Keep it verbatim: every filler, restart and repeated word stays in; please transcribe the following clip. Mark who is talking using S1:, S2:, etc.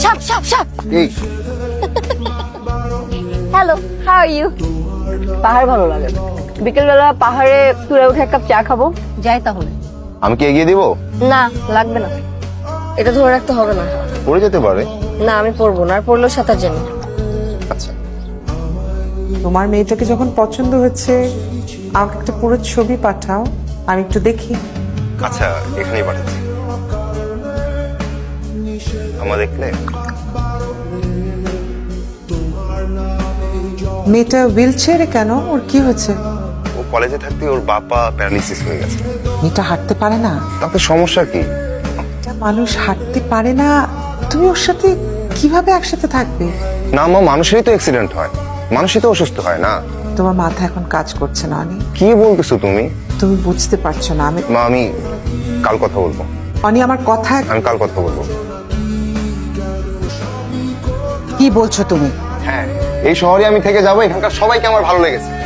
S1: সাপ সাপ সাপ।
S2: এই
S1: হ্যালো, হাউ আর ইউ? পাহাড় ভালো লাগে। বিকেলবেলা পাহাড়ে তুলে উঠে এক কাপ চা খাবো। যাই তাহলে।
S2: আমি কি এগিয়ে দিব?
S1: না, লাগবে না। এটা ধরে রাখতে হবে না।
S2: পড়ে যেতে পারে।
S1: না, আমি পড়বো না। আর পড়লেও সাঁতার জানি।
S2: আচ্ছা,
S3: তোমার মেয়েটাকে যখন পছন্দ হচ্ছে আমাকে একটা পুরো ছবি পাঠাও, আমি একটু দেখি।
S2: আচ্ছা, এখানেই পাঠাচ্ছি। আমার দেখলে
S3: মেয়েটা হুইল চেয়ারে কেন? ওর কি হয়েছে?
S2: ও কলেজে থাকতে ওর বাবা প্যারালিসিস হয়ে গেছে।
S3: মেয়েটা হাঁটতে পারে না?
S2: তাতে সমস্যা কি?
S3: একটা মানুষ হাঁটতে পারে না, তুমি ওর সাথে কিভাবে একসাথে থাকবে?
S2: না মা, মানুষেরই তো অ্যাক্সিডেন্ট হয়, মানুষই তো অসুস্থ হয় না।
S3: তোমার মাথা এখন কাজ করছে না অনি।
S2: কি বলতেছো তুমি?
S3: তুমি বুঝতে পারছো না। আমি
S2: মা, আমি কাল কথা বলবো।
S3: অনি আমার কথা।
S2: আমি কাল কথা বলবো।
S3: কি বলছো তুমি?
S2: হ্যাঁ, এই শহরে আমি থেকে যাবো, এখানকার সবাইকে আমার ভালো লেগেছে।